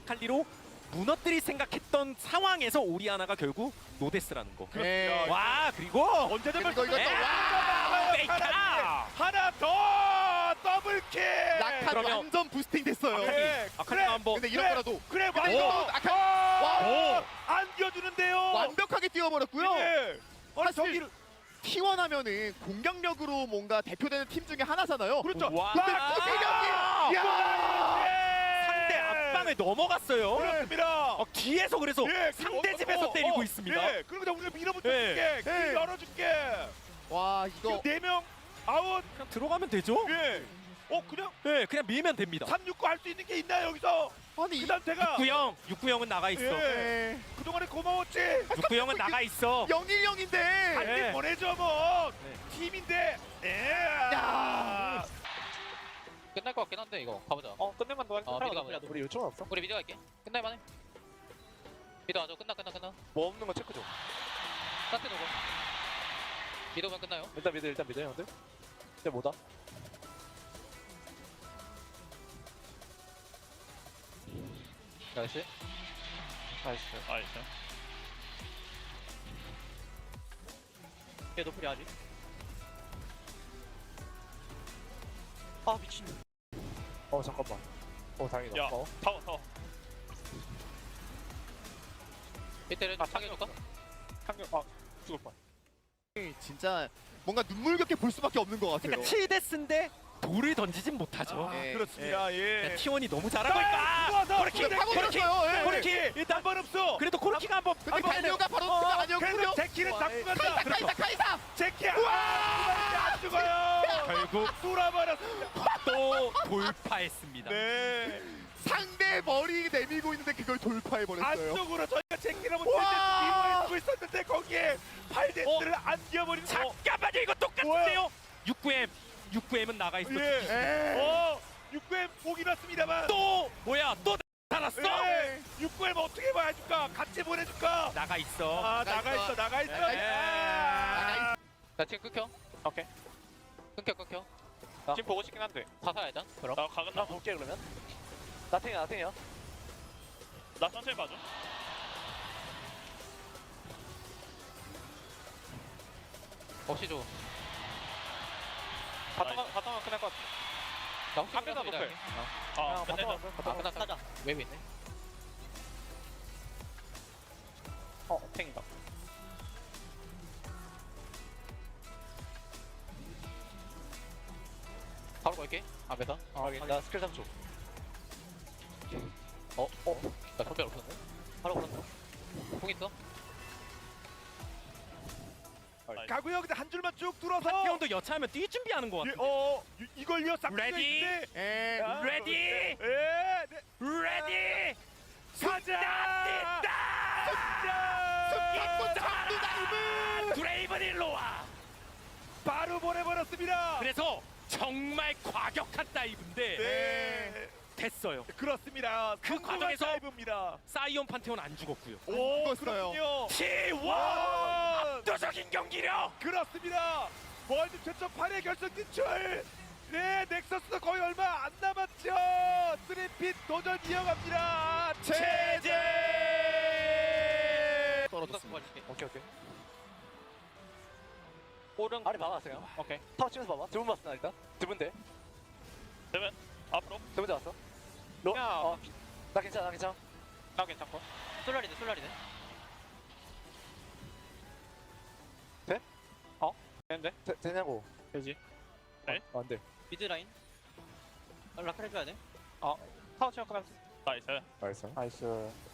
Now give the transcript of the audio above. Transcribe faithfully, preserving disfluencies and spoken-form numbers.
아칼리로 무너뜨릴 생각했던 상황에서 오리아나가 결국 노데스라는 거. 네. 와 그리고 언제든 그리고 이거 또 와! 메이카! 하나 더 더블킬. 라칸 그러면- 완전 부스팅 됐어요. 아칼리, 그래, 아칼리가 그래. 한번 근데 이런 그래. 거라도 그래 근데 맞아. 이거 아칼 와, 안겨주는데요. 완벽하게 뛰어버렸고요. 예. 아니 사실 저기를 티 원 하면은 공격력으로 뭔가 대표되는 팀 중에 하나잖아요. 그렇죠. 와. 근데 아, 투기력이 야! 상대 앞방에 넘어갔어요. 그렇습니다. 어, 뒤에서 그래서 예, 상대 어, 집에서 어, 때리고 어, 있습니다. 예, 그러니까 우리가 밀어붙여 예. 줄게. 길 예. 열어줄게. 와 이거 네 명 아웃. 그냥 들어가면 되죠. 예. 어 그냥 네, 그냥 밀면 됩니다. 삼육구 할 수 있는 게 있나요 여기서? 아니 이 그다음 제가 육구형, 육구형은 나가 있어. 예. 네. 그동안에 고마웠지. 육구형은 나가 있어. 영일영인데 한대 예. 보내줘 뭐. 네. 팀인데. 예. 야. 끝날 것 같긴 한데 이거 가보자. 어 끝내만 너 어, 미드 가보자. 우리 요청 없어? 우리 미드 갈게. 끝날만해. 미드 와줘. 끝나 끝나 끝나. 뭐 없는 거 체크 좀. 스타트 누구? 미드 오면 끝나요. 일단 미드 일단 미드 형들. 이제 뭐다? 나이스. 나이스. 나이스. 얘 노플이 하지. 아 미친. 어 잠깐만. 어 다행이다. 야. 어. 타워 타워. 이때는 아, 상해줄까? 상경 아 죽을 뻔. 진짜 뭔가 눈물겹게 볼 수밖에 없는 것 같아요. 그러니까 칠 데스인데 돌을 던지진 못하죠. 아, 예. 그렇습니다. 예. 티 원이 너무 잘하고 있다. 코르키 근데 파고들었어요. 예. 코르키 일단 한번 없어. 그래도 코르키가 한번 근데 한번 갈리오가 바로 어, 그가 아니었고요. 그래서 제키를 잡고 카이사 간다. 카이사 카이사. 제키 안 죽어요. 결국 돌아버렸습니다. 또 돌파했습니다. 네. 상대 머리 내밀고 있는데 그걸 돌파해 버렸어요. 안쪽으로 저희가 제키를 한번 와! 밀고 있었는데 거기에 팔데스를 안겨버린. 잠깐만요, 이거 똑같은데요. 육구 엠, 육구 엠은 나가 있어. 예. 예. 어, 육 엠 보긴 왔습니다. 또 뭐야? 또 살았어? 예. 육 엠 어떻게 봐줄까? 같이 보내줄까? 나가 있어. 아, 나가 나가 있어. 있어, 나가 있어. 나가 있어. 아. 나 지금 끊겨. 오케이. 끊겨 끊겨. 지금 보고 싶긴 한데. 가사 일단. 그럼. 나 가근 나 볼게 그러면. 나탱이야 나탱이야. 나 천천히 봐줘. 없이 줘. 바텀 바텀 끝날 것 같아. 나 혹시 한 대도 몰라서 높을. 미드 아 갈게. 바텀 아 바텀. 끝났다. 가자. 웹 있네. 어 탱이다. 바로 걸게. 앞에서. 아 확인. 나 스킬 삼 초. 어? 어? 나 선별 없었네? 바로 걸었어. 공 있어? 가고요. 근데 한 줄만 쭉 뚫어서. 이 형도 여차하면 뛸 준비하는 것 예, 같아. 어, 이- 이걸요. 싹 레디? 예. 아, 레디? 예, 네. 레디? 가자. 승리권 전부 다이브. 드레이븐 일로와. 바로 보내버렸습니다. 그래서 정말 과격한 다이브인데 네, 됐어요. 그렇습니다. 그 성공한 과정에서 다이브입니다. 사이온 판테온 안 죽었고요. 오, 죽었어요. 그렇군요. 티 원 와, 압도적인 경기력. 그렇습니다. 월드 최초 팔 회 결승 진출. 네, 넥서스도 거의 얼마 안 남았죠. 쓰리핏 도전 이어갑니다. 체제. 떨어졌어. 떨어졌습니다. 봐줄게. 오케이 오케이. 오른 아래 봐봤어요. 오케이. 타워 치면서 봐봐. 두 분 봤어 나 일단. 두 분 돼. 되면 앞으로. 두 번째 왔어. 로. 야. 어. 나 괜찮아 나 괜찮아. 나 괜찮고. 솔라리네 솔라리네. 되는데? 되, 되냐고. 되지. 네? 어, 안 돼. 미드 라인. 라카 해줘야 돼. 타워 치면 끝났어. 나이스. 나이스. 나이스.